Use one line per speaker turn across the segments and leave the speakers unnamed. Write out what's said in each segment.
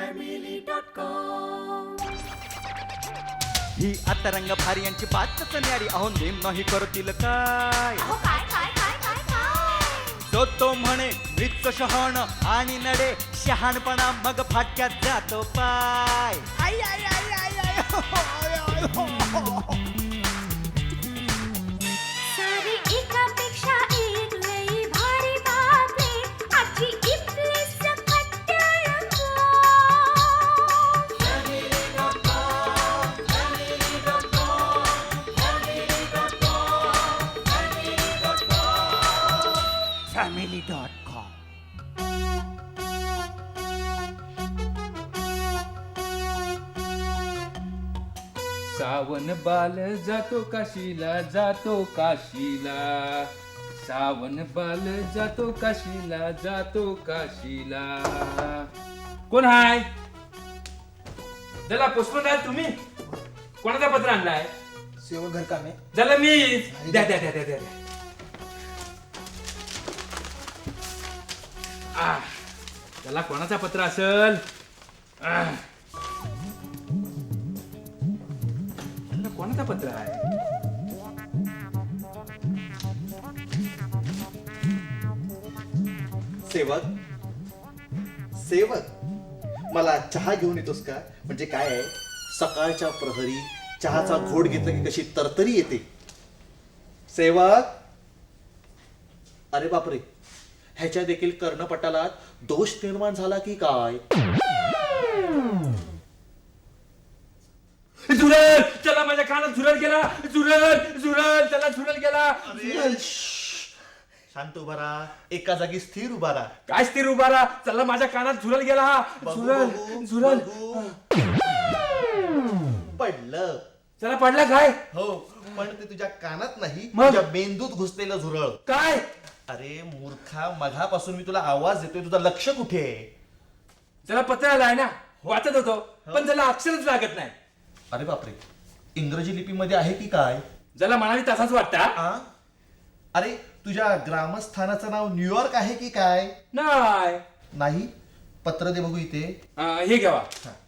ही आता रंग भारी यांची बातच न्यारी अहो नेम नाही करतील काय तो म्हणे मृत शहाण आणि नडे शहाणपणा मग फाटक्यात जातो पाय आई आई आई आई आई हो, आय, आय, हो, हो.
सारी एकापेक्षा एक लई भारी बातमी आजची इथली सकट टेलिफोन.
family.com
सावन बाल जातो काशीला जातो काशीला सावन बाल जातो काशीला जातो काशीला. कोण हाय? जला पुष्पराज तुम्ही कोणाचा पत्र आणलाय?
सेवक घर कामे
जला मी द्या द्या द्या द्या द्या. त्याला कोणाचा पत्र असेल? कोणाचा पत्र आहे?
सेवक सेवक मला चहा घेऊन येतोस का? म्हणजे काय आहे, सकाळच्या प्रहरी चहाचा घोट घेतला की कशी तरतरी येते. सेवक, अरे बापरे, ह्याच्या देखील कर्णपटालात दोष निर्माण झाला की काय?
झुरळ चला माझ्या कानात झुरळ गेला. झुरळ झुरळ चला झुरळ गेला.
अरे, शांत उभा राहा, एका जागी स्थिर उभा राहा.
काय स्थिर उभा राहा. चला माझ्या कानात झुरळ गेला. हा
बघू,
झुरळ
बघू,
झुरळ
बघू. पडलं.
चला पडला काय?
हो, पण ते तुझ्या कानात नाही,
मग?
तुझ्या मेंदूत घुसलेलं झुरळ.
काय?
अरे मूर्खा, मघापासून मी तुला आवाज देतोय, तुझं लक्ष कुठे आहे?
चला पत्र आलाय ना, वाचत होतो पण त्याला अक्षरच लागत नाही.
अरे बापरे, इंग्रजी लिपीमध्ये आहे की काय?
ज्याला म्हणाली तसाच वाटता.
आ? अरे तुझ्या ग्रामस्थानाचं नाव न्यूयॉर्क आहे की काय?
नाही.
नाही. पत्र दे बघू इथे.
हे घ्यावा.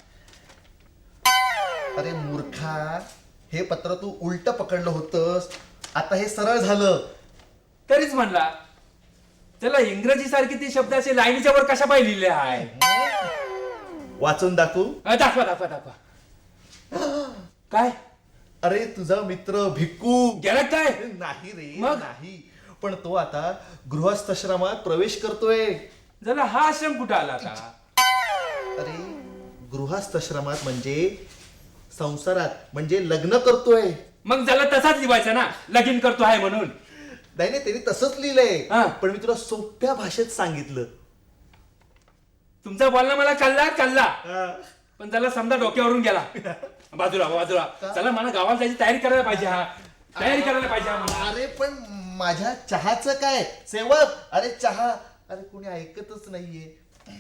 अरे मूर्खा, हे पत्र तू उलट पकडलं होतंस, आता हे सरळ झालं.
तरीच म्हणला त्याला इंग्रजी सारखी ती शब्द असे लाईनीच्या वर कशा पाय लिहिले आहे.
वाचून दाखवू?
दाखवा दाखवा दाखवा. काय?
अरे तुझा मित्र भिक्कू
गेला काय?
नाही रे,
मग?
नाही, पण तो आता गृहस्थाश्रमात प्रवेश करतोय.
जरा हा आश्रम कुठं आला का?
अरे गृहस्थाश्रमात म्हणजे संसारात, म्हणजे लग्न करतोय.
मग त्याला तसाच लिवायचा ना, लगीन करतो आहे म्हणून.
नाही नाही, त्यांनी तसंच लिहिलंय,
हा.
पण मी तुला सोप्या भाषेत सांगितलं.
तुमचा बोलणं मला कल्ला कल्ला, पण त्याला समजा डोक्यावरून गेला. बाजूला बाजूला. चला मला गावाला जायची तयारी करायला पाहिजे. हा तयारी करायला पाहिजे हा मला.
अरे पण माझ्या चहाचं काय सेवक? अरे चहा, अरे कोणी ऐकतच नाहीये.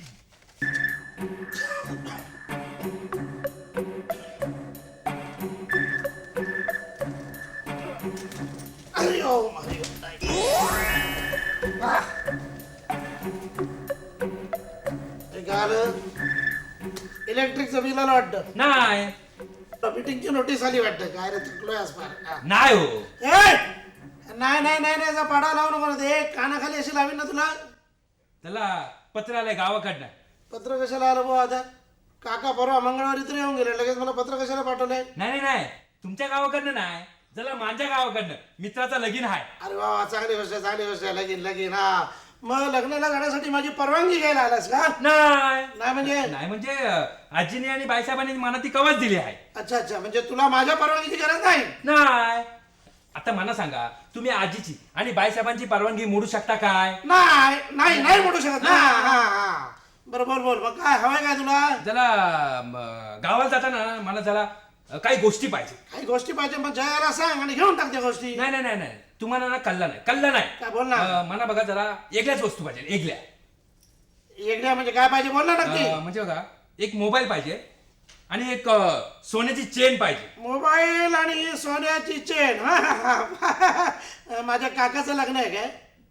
इलेक्ट्रिकचं बिल आलं वाटतं.
नाही
मीटिंगची नोटीस आली वाटतं. काय रे, चुकलोय आज फार. हा.
नाही हो.
ए! नाही नाही नाही नाही, जा पाडा लावू नको ना ते. कानाखाली अशी लावीन ना तुला.
त्याला पत्र आलंय गावाकडनं.
पत्र कशाला आलं भाऊ आता? काका परवा मंगळवारी तरी येऊन गेले, लगेच मला पत्र कशाला पाठवलंय?
नाही नाही नाही, तुमच्या गावाकडनं नाही, जरा माझ्या गावाकडनं. मित्राचा लगीन आहे.
अरे वा, चांगली गोष्ट आहे, चांगली गोष्ट आहे. लगीन लगीन. हा, मग लग्नाला जाण्यासाठी माझी परवानगी घ्यायला आलास का?
नाही
नाही म्हणजे?
नाही म्हणजे आजीने आणि बाईसाहेबांनी मला ती कवच दिली आहे.
अच्छा अच्छा, म्हणजे तुला माझ्या परवानगीची गरज नाही?
नाही. आता मला सांगा, तुम्ही आजीची आणि बाईसाहेबांची परवानगी मोडू शकता काय?
नाही नाही नाही म्हणू शकत ना. हा हा, बरोबर बोल. मग काय हवंय काय तुला?
जरा गावाला जाताना मला जरा काही गोष्टी पाहिजे.
काही गोष्टी पाहिजे, मग जयाला सांग आणि घेऊन टाक त्या गोष्टी.
नाही नाही नाही नाही, तुम्हाला ना कल्ला नाही, कल्ला नाही.
काय बोल ना.
मला बघा जरा एकल्याच वस्तू पाहिजे, एकल्या.
एकड्या म्हणजे काय पाहिजे, बोल ना नक्की.
म्हणजे बघा, एक मोबाईल पाहिजे आणि एक सोन्याची चेन पाहिजे.
मोबाईल आणि सोन्याची चेन. माझ्या काकाचं लग्न आहे काय?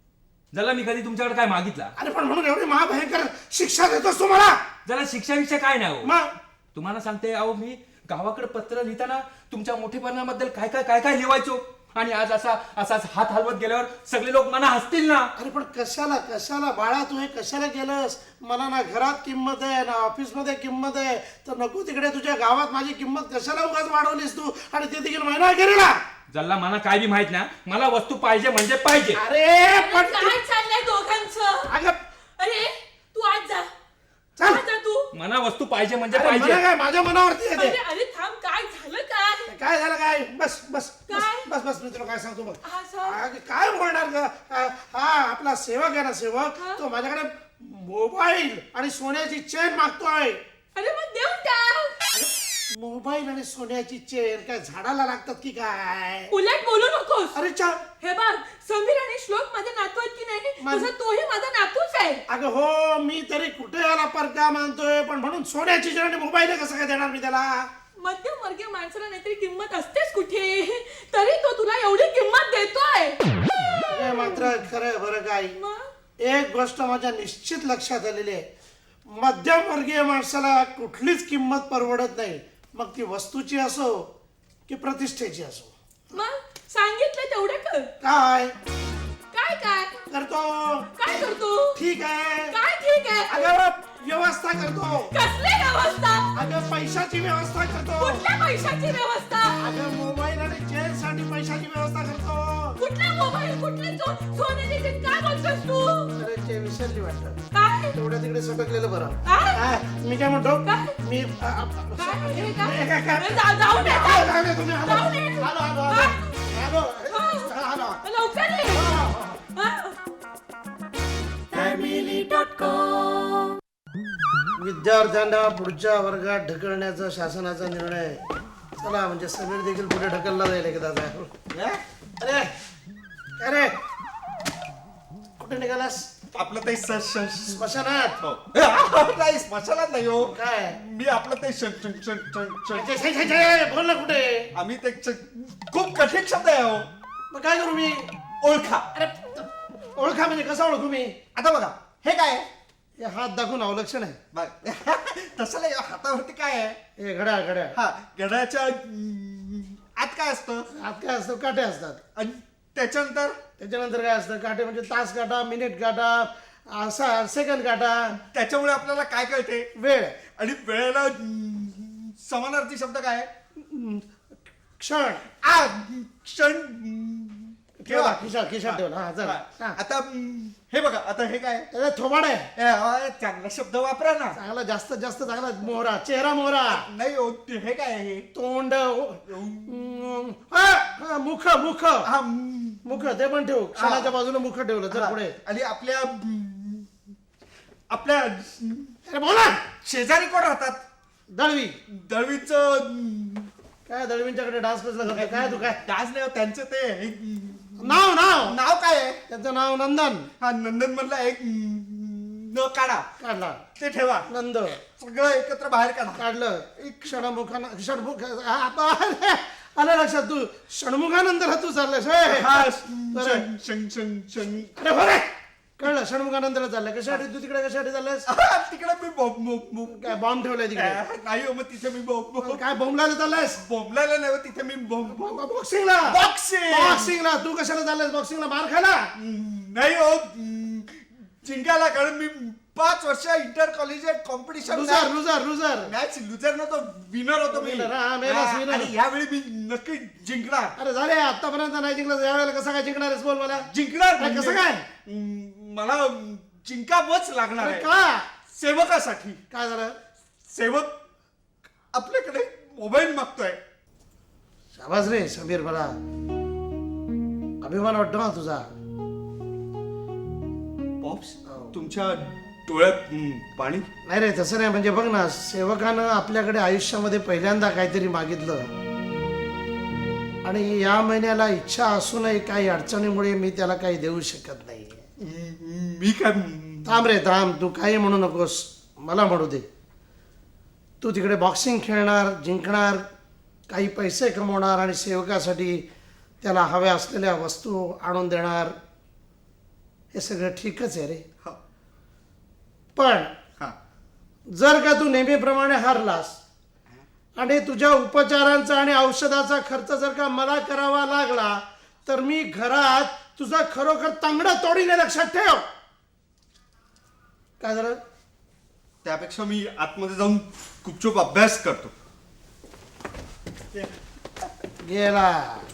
जरा मी कधी तुमच्याकडे काय मागितला?
अरे पण म्हणून एवढी महाभयंकर शिक्षा देतोस तू मला?
जरा शिक्षाविषय काय नाही हो.
मग
तुम्हाला सांगते अहो, मी गावाकडे पत्र लिहिताना तुमच्या मोठेपणाबद्दल काय काय काय काय लिहायचो, आणि आज असाच हात हलवत गेल्यावर सगळे लोक मना हसतील ना.
अरे पण कशाला बाळा तू हे कशाला केलंस? मला ना घरात किंमत आहे ना ऑफिस मध्ये किंमत आहे, तर नको तिकडे तुझ्या गावात माझी किंमत कशाला उगाच वाढवलीस तू, आणि ते देखील महिना अखेरीला.
जल्ला मला काय बी माहित ना, मला वस्तू पाहिजे म्हणजे पाहिजे.
अरे पण
काय चाललंय दोघांचं?
अगं
अरे तू आज जा.
चल.
आज जा तू.
मला वस्तू पाहिजे म्हणजे
अरे
पाहिजे.
मला काय माझ्या मनावरती
अरे
येते.
अरे थांब, काय झालं काय?
काय झालं काय? बस बस बस
काय?
बस बस मी तुला काय सांगतो बघ.
हा, सांग.
अगं, काय बोलणार ग? हा आपला सेवक आहे ना सेवक,
हा?
तो माझ्याकडे मोबाईल आणि सोन्याची चेन मागतोय.
अरे मग देऊन टाक.
मोबाईल आणि सोन्याची चेन काय झाडाला लागतात की काय?
उलट बोलू नकोस.
अरे चा
हे बघ, समीर आणि श्लोक माझे नातू आहेत की नाही,
मान-
तुझा तोही माझा नातूच आहे.
अगं हो, मी तरी कुठे याला परका मानतोय, पण म्हणून सोन्याची चेन आणि मोबाईल कसं काय देणार मी त्याला?
मध्यमवर्गीय माणसाला नाहीतरी किंमत असतेच कुठे, तरी तो तुला एवढी किंमत देतोय.
हे मात्र खरं बरं काय,
मग
एक गोष्ट माझ्या निश्चित लक्षात आलेली आहे, मध्यमवर्गीय माणसाला कुठलीच किंमत परवडत नाही, मग ती वस्तूची असो की प्रतिष्ठेची असो.
मग सांगितलं तेवढं कर.
काय
काय काय
करतो?
काय करतो?
ठीक आहे.
काय ठीक आहे?
अगं व्यवस्था करतो.
कसली व्यवस्था?
अगं पैशाची व्यवस्था करतो.
कुठल्या पैशाची व्यवस्था?
अगं मोबाईल आणि चेन साठी पैशाची व्यवस्था करतो.
कुठला मोबाईल, कुठले सोन्याची चीज? काय बोलतोस तू?
अरे ते विसरली वाटतं.
काय
तेवढ्या तिकडे सटकलेलं बरं.
काय?
हा, मी काय म्हणतो
काय?
मी
काय? हे काय?
काय?
जाऊ दे.
जाऊ दे, तुम्ही आलो.
जाऊ दे.
आलो, आलो,
हा?
आलो. आलो, आलो.
लवकर ये. हा?
विद्यार्थ्यांना पुढच्या वर्गात ढकलण्याचा शासनाचा निर्णय. चला म्हणजे समीर देखील पुढे ढकलला जाईल एकदाचा. अरे अरे कुठे निघालास?
आपलं ते
स्मशानात?
नाही स्मशानात नाही हो.
काय
मी आपलं ते
छे, छे, छे, छे, बोल ना कुठे?
आम्ही ते खूप कठीण शब्द आहे हो.
मग काय करू मी?
ओळखा.
अरे ओळखा म्हणजे कसं ओळखू मी?
आता बघा हे काय आहे?
हे हात दाखवून अवलक्षण आहे.
बघ. तसं नाही, हातावरती काय आहे?
हे घड्याळ घड्याळ.
हा गड्याच्या आत काय असतं?
आत काय असतं? काटे असतात.
आणि त्याच्यानंतर
त्याच्यानंतर काय असतं? काटे म्हणजे तास काटा, मिनिट काटा, असा सेकंद काटा,
त्याच्यामुळे आपल्याला काय कळते?
वेळ,
आणि वेळेला समानार्थी शब्द काय आहे?
क्षण.
क्षण.
ठेवा खिशात खिशात ठेवला. हा चला. हा.
आता हे बघा, आता हे काय?
त्याचा थोबाड आहे.
चांगला शब्द वापरा ना.
चांगला, जास्तीत जास्त चांगला. मोहरा, चेहरा मोहरा.
नाही हो, हे काय आहे?
तोंड. मुख मुख
हा,
मुख ते पण ठेवू. क्षणाच्या बाजूला मुख ठेवलं. चल पुढे.
आणि आपल्या आपल्या
अरे बोला.
शेजारी कोण राहतात?
दळवी.
दळवीच
काय दळवींच्याकडे डान्स कसला करतो? काय तू काय?
डास नाही हो, त्यांचं ते
नाव नाव
नाव काय आहे?
त्याचं नाव नंदन.
हा नंदन मधला एक न काढा,
काढला.
ते ठेवा.
नंद
सगळं एकत्र बाहेर काढा.
काढलं. एक क्षणमुखानं षणमुख. आलं लक्षात. तू षणमुखानंतर तू चाललास.
हा,
बरं. अरे बरं कळलं. षणमुखानंतर चाललंय. कशासाठी तू तिकडे कशासाठी चाललास?
तिकडे मी
काय बॉम्ब ठेवलाय तिकडे?
नाही हो, मग तिथे मी
काय बॉम्बला चाललास?
बोंबलायला नाही हो, तिथे मी
बॉक्सिंगला.
बॉक्सिंग
बॉक्सिंगला. तू कशाला चाललास बॉक्सिंगला? मार खायला?
नाही हो, जिंकायला. कारण मी 5 वर्ष inter collegiate competition
loser loser loser.
Match loser नव्हतो, विनर होतो मी.
Winner, हा, मेलास winner.
आणि यावेळी मी नक्की जिंकणार.
अरे झाले आतापर्यंत नाही जिंकलं, यावेळेला कसं काय जिंकणार आहेस? बोल मला.
जिंकणार
काय, कसं
म्हणजे,
काय?
मला जिंकावंच लागणार
अरे
आहे.
का?
सेवकासाठी.
काय झालं?
सेवक आपल्याकडे मोबाईल मागतोय.
शाबास रे समीर, मला अभिमान वाटतो ना तुझा.
पॉप्स, तुमच्या डोळ्यात पाणी?
नाही रे तसं नाही. म्हणजे बघ ना, सेवकानं आपल्याकडे आयुष्यामध्ये पहिल्यांदा काहीतरी मागितलं, आणि या महिन्याला इच्छा असूनही काही अडचणीमुळे मी त्याला काही देऊ शकत नाही.
मी काय?
थांब रे थांब. तू काही म्हणू नकोस, मला म्हणू दे. तू तिकडे बॉक्सिंग खेळणार, जिंकणार, काही पैसे कमवणार आणि सेवकासाठी त्याला हव्या असलेल्या वस्तू आणून देणार. हे ते सगळं ठीकच आहे रे.
हा.
पण
हा.
जर का तू नेहमीप्रमाणे हारलास आणि तुझ्या उपचारांचा आणि औषधाचा खर्च जर का मला करावा लागला तर मी घरात तुझा खरोखर तांगडा तोडीने, लक्षात ठेव. काय झालं?
त्यापेक्षा मी आतमध्ये जाऊन गुपचूप अभ्यास करतो.
गेला.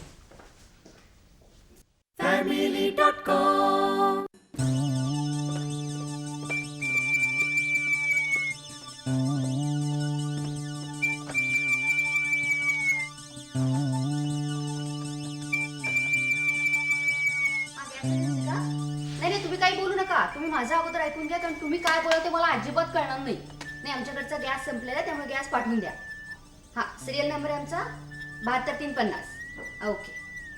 नाही नाही, तुम्ही काही बोलू नका. तुम्ही माझं अगोदर ऐकून घ्या, कारण तुम्ही काय बोला ते मला अजिबात कळणार नाही. नाही, आमच्याकडचा गॅस संपलेला आहे, त्यामुळे गॅस पाठवून द्या. हा, सिरियल नंबर आहे आमचा 72350. ओके.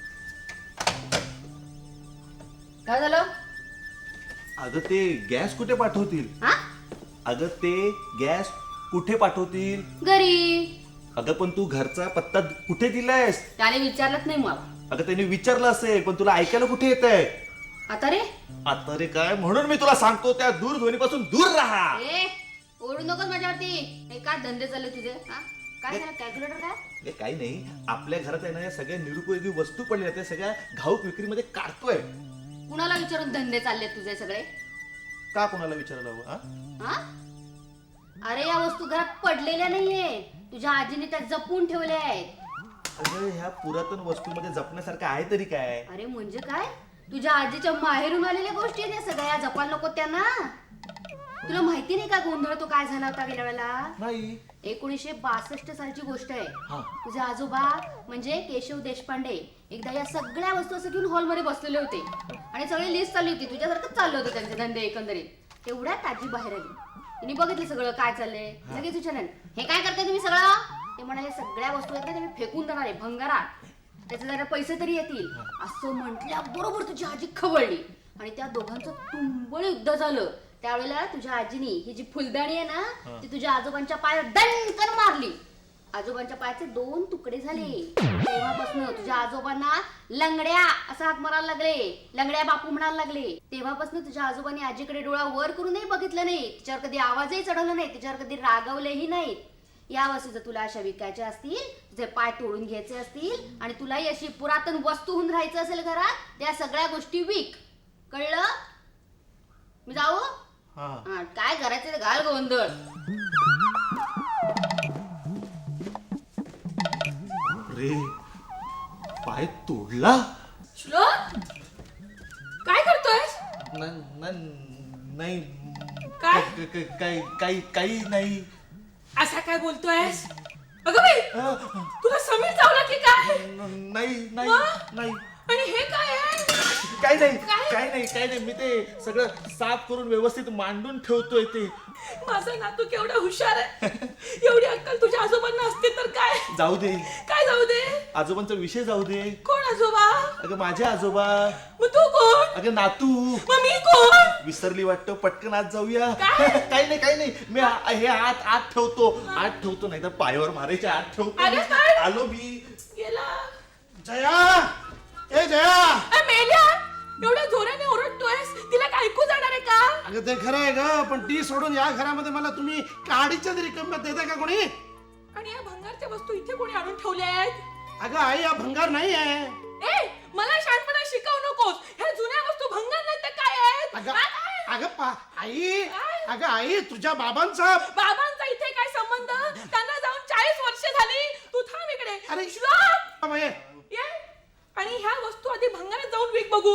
काय झालं?
अगं ते गॅस कुठे पाठवतील?
हा,
अगं ते गॅस कुठे पाठवतील?
घरी.
अगं पण तू घरचा पत्ता कुठे दिलायस?
त्याने विचारलंच नाही मला.
अगं त्याने विचारलं असेल, पण तुला ऐकायला कुठे येत आहे?
आता रे
आता रे काय, म्हणून मी तुला सांगतो त्या दूरध्वनीपासून दूर राहा.
ए, ओरडू नकोस माझ्यावरती. हे काय धंदे चालले तुझे? हा, काय झालं? कॅल्क्युलेटर काय?
हे काही नाही, आपल्या घरात आहे ना या सगळ्या निरुपयोगी वस्तू पडल्या त्या सगळ्या घाऊक विक्रीमध्ये काढतोय.
कुणाला विचारून धंदे चालले तुझे सगळे?
का कोणाला विचारायला हवं?
हा? अरे या वस्तू घरात पडलेल्या नाहीये, तुझ्या आजीने त्या जपून ठेवल्या आहेत.
अगं ह्या पुरातन वस्तूमध्ये जपण्यासारखं आहे तरी काय?
अरे म्हणजे काय? तुझ्या आजीच्या माहेरून आलेल्या गोष्टी आहेत या सगळ्या. जपायला नको त्यांना. तुला माहिती नाही का गोंधळ तो काय झाला होता गेल्या वेळेला?
नाही.
1962 सालची गोष्ट आहे.
हा.
तुझे आजोबा म्हणजे केशव देशपांडे एकदा या सगळ्या वस्तू असं घेऊन हॉलमध्ये बसलेले होते आणि सगळी लिस्ट चालली होती. तुझ्यासारखंच चाललं होतं त्यांचे धंदे एकंदरीत. तेवढ्यात आजी बाहेर आली. तिने बघितलं सगळं काय चाललंय. लगेच विचारलं, हे काय करताय तुम्ही सगळं? ते म्हणाले, सगळ्या वस्तू आहेत ना ते मी फेकून देणार आहे भंगारात, त्याचे जरा पैसे तरी येतील. असं म्हटल्या बरोबर तुझी आजी खवळली आणि त्या दोघांचं तुंबळ युद्ध झालं. त्यावेळेला तुझ्या आजीनी ही जी फुलदाणी आहे ना ती तुझ्या आजोबांच्या पायावर दणकन मारली. आजोबांच्या पायाचे 2 तुकडे झाले. तेव्हापासून तुझ्या आजोबांना लंगड्या असं हाक मारायला लागले, लंगड्या बापू म्हणायला लागले. तेव्हापासून तुझ्या आजोबांनी आजीकडे डोळा वर करूनही बघितलं नाही, तिच्यावर कधी आवाजही चढवला नाही, तिच्यावर कधी रागवलेही नाहीत. या वस्तू जर तुला अशा विकायच्या असतील, तुझे पाय तोडून घ्यायचे असतील आणि तुलाही अशी पुरातन वस्तू होऊन राहायचं असेल घरात, त्या सगळ्या गोष्टी विक. कळलं? मी जाऊ? हा, काय करायचं ते घाल गोंधळ.
रे पाय तोडला?
श्लोक, काय करतोयस?
नाही.
काय?
काही नाही.
असा काय बोलतोयस? अगं बाई, तुला समीर चावला की काय?
नाही.
आणि हे काय आहे?
काही नाही.
काय?
काही नाही. मी ते सगळं साफ करून व्यवस्थित मांडून ठेवतोय ते.
माझा नातू केवढा हुशार आहे. एवढी अक्कल तुझ्या आजोबांना असते तर काय?
जाऊ दे.
काय जाऊ दे?
आजोबांचा विषय जाऊ दे.
कोण आजोबा?
अगं माझे आजोबा.
मग तू कोण?
अगं नातू.
मग मी कोण?
विसरली वाटतं, पटकन आत जाऊया.
काय?
काही नाही. मी हे आत ठेवतो नाही तर पायावर मारायचे. आत ठेवतो.
अरे काय?
आलो मी.
गेला.
जया, ए जया.
अरे मेल्या, एवढ्या जोराने ओरडतोयस, तिला काय ऐकू जाणार आहे का?
अगं ते खरं आहे ग, पण ती सोडून या घरामध्ये मला तुम्ही काडीच्या तरी किंमत देता का कोणी?
आणि या भंगारच्या वस्तू इथे कोणी आणून ठेवल्या आहेत?
अगं आई, हा भंगार नाही आहे.
ए, मला शहाणपणा शिकवू नकोस. ह्या जुन्या वस्तू भंगार नाही तर काय आहेत?
अगं
काय?
अगं आई, तुझ्या बाबांचा.
बाबांचा इथे काय संबंध? त्यांना जाऊन 40 वर्ष झाली. तू थांब इकडे.
अरे
श्लोक,
बाबा, ये.
ये. आणि ह्या वस्तू आधी भंगारात जाऊन विक बघू.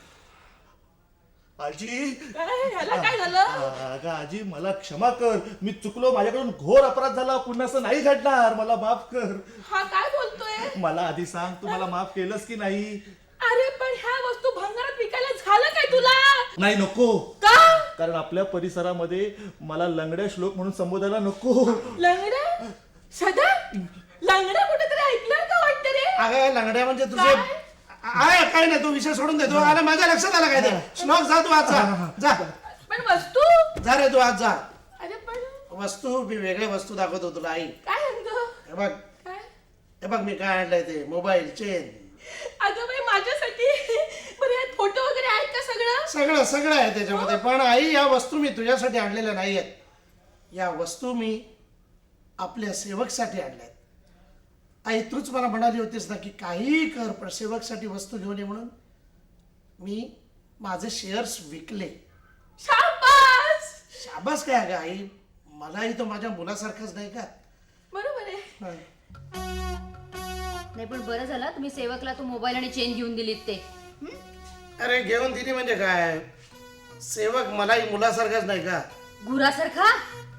आजी.
काय? ह्याला काय झालं?
अगं आजी, मला क्षमा कर. मी चुकलो, माझ्याकडून घोर अपराध झाला. पुन्हा असं नाही घडणार. मला माफ कर.
हा काय बोलतोय?
मला आधी सांग, तू मला माफ केलंस की नाही?
अरे पण ह्या वस्तू भंगारात विकायला झालं काय तुला?
नाही, नको.
का?
कारण आपल्या परिसरामध्ये मला लंगड्या श्लोक म्हणून संबोधायला नको.
लंगड्या? सदा लंगड्या कुठेतरी ऐकलं का वाटतं रे?
अगं लंगड्या म्हणजे तुझे काय नाही, तू विषय सोडून देतो. आला माझ्या लक्षात आला काय ते. श्लोक, जा तू आज जा.
पण वस्तू?
जा रे तू आज जा.
अरे पण
वस्तू मी वेगळ्या वस्तू दाखवतो तुला आई.
काय म्हणतो?
हे बघ,
काय?
मी काय आणलंय ते मोबाईल चेन.
अगं बाई माझ्यासाठी बरं यात फोटो वगैरे आहेत का सगळं?
सगळं सगळं आहे त्याच्यामध्ये. पण आई, या वस्तू मी तुझ्यासाठी आणलेल्या नाही आहेत. या वस्तू मी आपल्या सेवकसाठी आणल्यात. आई, तूच मला म्हणाली होतीस ना की काहीही कर पण सेवकसाठी वस्तू घेऊन ये म्हणून. मी माझे शेअर्स विकले.
शाबास.
शाबास काय अगं आई, मलाही तो माझ्या मुलासारखाच नाही का?
बरोबर आहे.
हं.
नाही पण बरं झालं तुम्ही सेवकला तो मोबाईल आणि चेन घेऊन दिलीत ते.
अरे घेऊन दिली म्हणजे काय, सेवक मलाही मुलासारखाच नाही का?
गुरासारखा?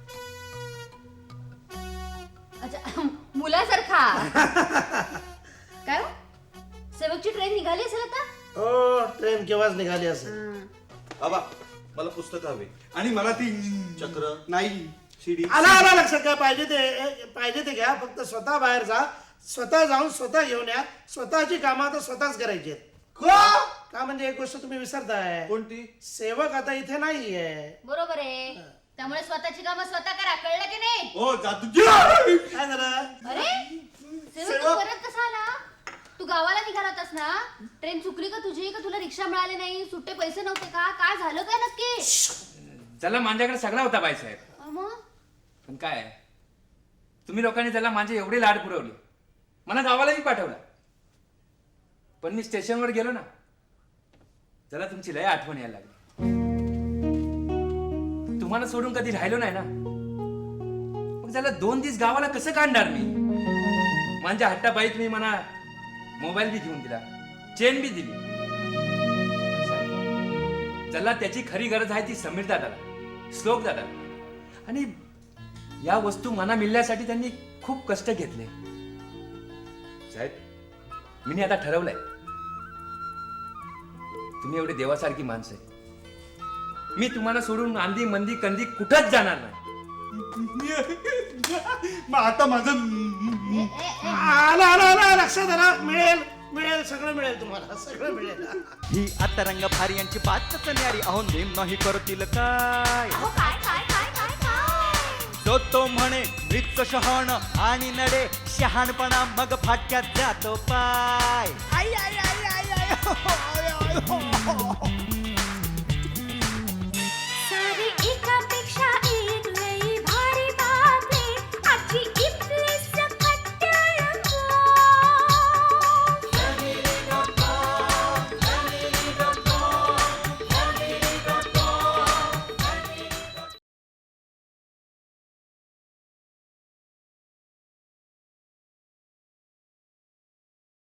अच्छा, मुलासारखा. काय हो? सेवकची ट्रेन निघाली असेल आता?
हो, ट्रेन केव्हाच निघाली असेल.
बाबा, मला पुस्तक हवे.
आणि मला ती
चक्र,
नाही
शिडी.
आला लक्षात. काय पाहिजे ते घ्या. फक्त स्वतः बाहेर जा, स्वतः जाऊन स्वतः घेऊन या. स्वतःची कामं आता स्वतःच करायची आहेत. का म्हणजे एक गोष्ट तुम्ही विसरताय.
कोणती?
सेवक आता इथे नाहीये.
बरोबर आहे. त्यामुळे स्वतःची कामं स्वतः करा, कळलं की नाही?
ओ जादू.
काय झालं?
अरे सेवक तू परत कसा आला? तू गावाला निघाला होतास ना? ट्रेन चुकली का तुझी? का तुला रिक्षा मिळाली नाही? सुट्टे पैसे नव्हते का? काय झालं काय नक्की?
त्याला माझ्याकडे सगळा होता बाईसाहेब.
मग
पण काय तुम्ही लोकांनी त्याला माझे एवढे लाड पुरवले, मला गावालाही पाठवला. पण मी स्टेशनवर गेलो ना, त्याला तुमची लय आठवण यायला लागली. तुम्हाला सोडून कधी राहिलो नाही ना, मग त्याला 2 दिवस गावाला कसं काढणार मी? माझ्या हट्टाबाईत मी म्हणा मोबाईल बी घेऊन दिला, चेन बी दिली. त्याला त्याची खरी गरज आहे ती समीर दादाला, श्लोक दादा. आणि या वस्तू मना मिळण्यासाठी त्यांनी खूप कष्ट घेतले. साहेब, मी आता ठरवलंय, तुम्ही एवढे देवासारखी माणसं आहे, मी तुम्हाला सोडून आंधी मंदी कंदी कुठंच जाणार नाही.
मग आता माझं
आला लक्षात आला. मिळेल सगळं मिळेल तुम्हाला, सगळं मिळेल.
ही आता रंग भारी यांची बातच न्यारी. अहो नेम नाही करतील काय.
अहो काय काय काय काय काय
जो तो म्हणे मृत शहाण आणि नडे शहाणपणा मग फाटक्यात जातो पाय. आई आई आई